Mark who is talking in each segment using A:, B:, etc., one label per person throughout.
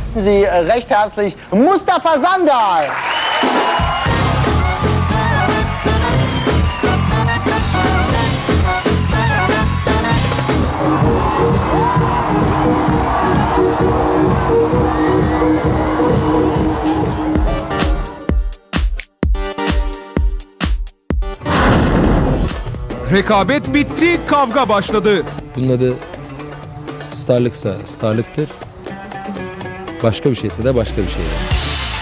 A: Sie recht herzlich Mustafa Sandal.
B: Rekabet bitti, kavga başladı.
C: Bunun adı starlıksa starlıktır. Başka bir şeyse de başka bir şeydir.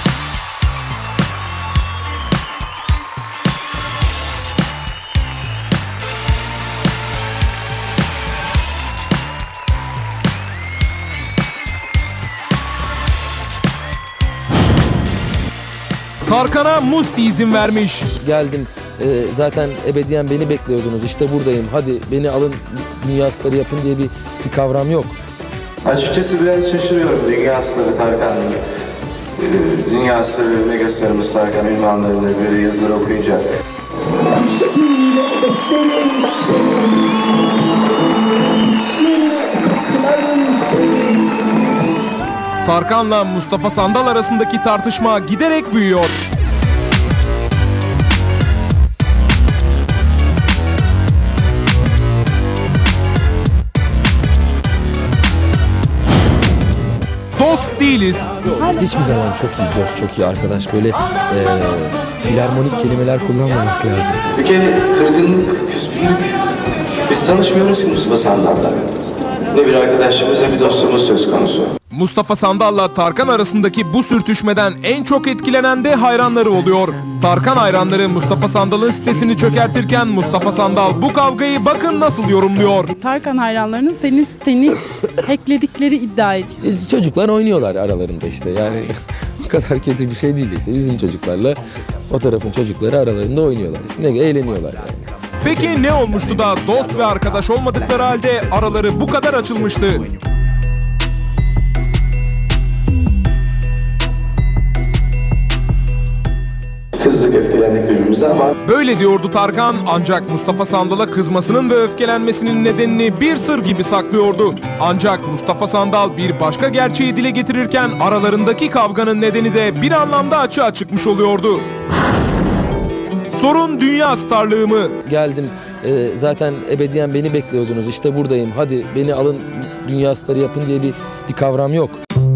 B: Tarkan'a Musti izin vermiş.
C: Geldim. Zaten ebediyen beni bekliyordunuz. İşte buradayım. Hadi beni alın, dünya starı yapın diye bir kavram yok.
D: Açıkçası biraz şaşırıyorum dünya starı Tarkan'ın. Dünya starı, mega starımız Tarkan ünvanlarını böyle yazıları okuyunca.
B: Tarkan'la Mustafa Sandal arasındaki tartışma giderek büyüyor. Dost değiliz.
C: Biz hiçbir zaman çok iyi dost, çok iyi arkadaş. Böyle filarmonik kelimeler kullanmamak lazım.
D: Bir kere kırgınlık, küskünlük. Biz tanışmıyoruz ki Mustafa Sandal'la. Ne bir arkadaşımız ne bir dostumuz söz konusu.
B: Mustafa Sandal'la Tarkan arasındaki bu sürtüşmeden en çok etkilenen de hayranları oluyor. Tarkan hayranları Mustafa Sandal'ın sitesini çökertirken Mustafa Sandal bu kavgayı bakın nasıl yorumluyor.
E: Tarkan hayranlarının senin siteni hackledikleri iddia ediyor.
C: Çocuklar oynuyorlar aralarında işte. Yani bu kadar kötü bir şey değil işte. Bizim çocuklarla o tarafın çocukları aralarında oynuyorlar. İşte ne eğleniyorlar yani.
B: Peki ne olmuştu da dost ve arkadaş olmadıkları halde araları bu kadar açılmıştı?
D: Kızdık, öfkelendik birbirimize ama
B: Böyle diyordu Tarkan, ancak Mustafa Sandal'a kızmasının ve öfkelenmesinin nedenini bir sır gibi saklıyordu. Ancak Mustafa Sandal bir başka gerçeği dile getirirken aralarındaki kavganın nedeni de bir anlamda açığa çıkmış oluyordu. Sorun dünya starlığı mı?
C: Geldim. Zaten ebediyen beni bekliyordunuz. İşte buradayım. Hadi beni alın, dünya starı yapın diye bir kavram yok.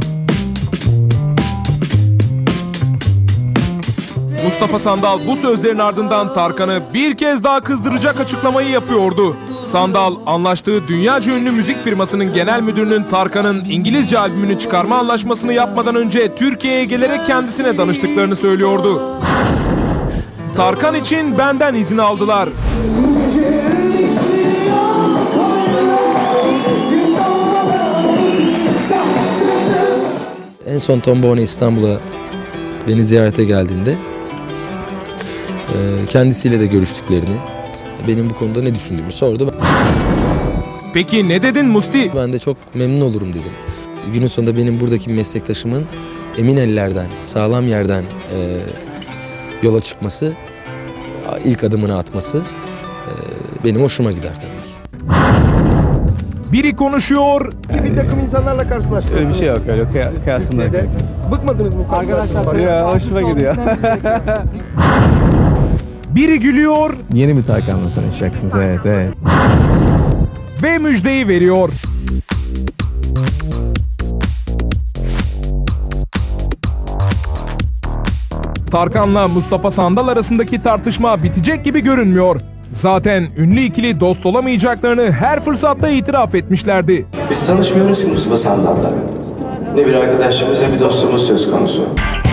B: Mustafa Sandal bu sözlerin ardından Tarkan'ı bir kez daha kızdıracak açıklamayı yapıyordu. Sandal, anlaştığı dünyaca ünlü müzik firmasının genel müdürünün Tarkan'ın İngilizce albümünü çıkarma anlaşmasını yapmadan önce Türkiye'ye gelerek kendisine danıştıklarını söylüyordu. Tarkan için benden izin aldılar.
C: En son Tombone İstanbul'a beni ziyarete geldiğinde kendisiyle de görüştüklerini, benim bu konuda ne düşündüğümü sordu.
B: Peki ne dedin Musti?
C: Ben de çok memnun olurum dedim. Günün sonunda benim buradaki meslektaşımın emin ellerden, sağlam yerden yola çıkması, ilk adımını atması benim hoşuma gider tabii ki.
B: Biri konuşuyor,
A: Bir takım insanlarla karşılaştık.
F: Öyle bir şey yok, öyle kıyasımda yok.
A: Bıkmadınız mı? Arkadaşlar.
F: Ya hoşuma gidiyor.
B: biri gülüyor
F: Yeni bir Tarkan'la tanışacaksınız, evet.
B: ve müjdeyi veriyor. Tarkan'la Mustafa Sandal arasındaki tartışma bitecek gibi görünmüyor. Zaten ünlü ikili dost olamayacaklarını her fırsatta itiraf etmişlerdi.
D: biz tanışmıyoruz ki Mustafa Sandal'la. Ne bir arkadaşımız ne bir dostumuz söz konusu.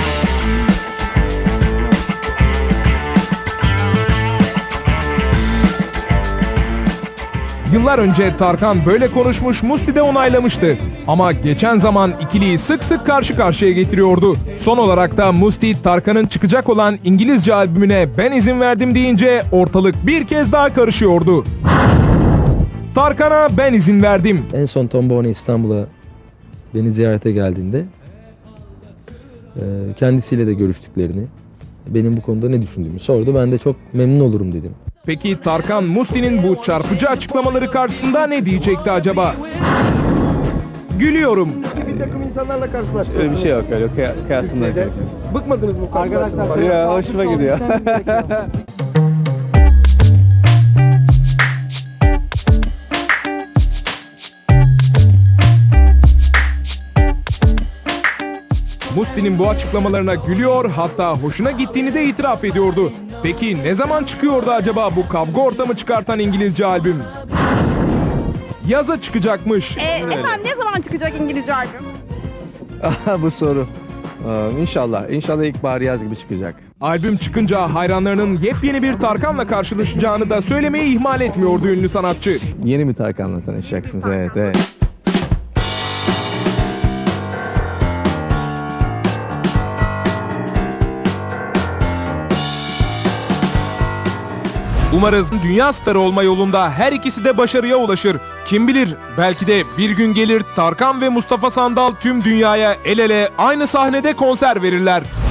B: Yıllar önce Tarkan böyle konuşmuş, Musti de onaylamıştı. Ama geçen zaman ikiliyi sık sık karşı karşıya getiriyordu. Son olarak da Musti, Tarkan'ın çıkacak olan İngilizce albümüne ben izin verdim deyince ortalık bir kez daha karışıyordu. Tarkan'a ben izin verdim.
C: En son Tombone İstanbul'a beni ziyarete geldiğinde kendisiyle de görüştüklerini, benim bu konuda ne düşündüğümü sordu. Ben de çok memnun olurum dedim.
B: Peki Tarkan, Musti'nin bu çarpıcı açıklamaları karşısında ne diyecekti acaba? Gülüyorum.
A: bir takım insanlarla karşılaştınız.
F: Öyle bir şey yok öyle kıyaslama
A: Türkiye'de.
F: yok.
A: Bıkmadınız mı bu karşılaştırmadan?
F: Ya hoşuma gidiyor.
B: Musti'nin bu açıklamalarına gülüyor, hatta hoşuna gittiğini de itiraf ediyordu. Peki ne zaman çıkıyordu acaba bu kavga ortamı çıkartan İngilizce albüm? Yaza çıkacakmış.
G: Efendim ne zaman çıkacak İngilizce albüm?
F: Bu soru. İnşallah ilkbahar yaz gibi çıkacak.
B: Albüm çıkınca hayranlarının yepyeni bir Tarkan'la karşılaşacağını da söylemeyi ihmal etmiyordu ünlü sanatçı.
F: Yeni bir Tarkan'la tanışacaksınız, evet.
B: Umarız dünya starı olma yolunda her ikisi de başarıya ulaşır. Kim bilir, belki de bir gün gelir Tarkan ve Mustafa Sandal tüm dünyaya el ele aynı sahnede konser verirler.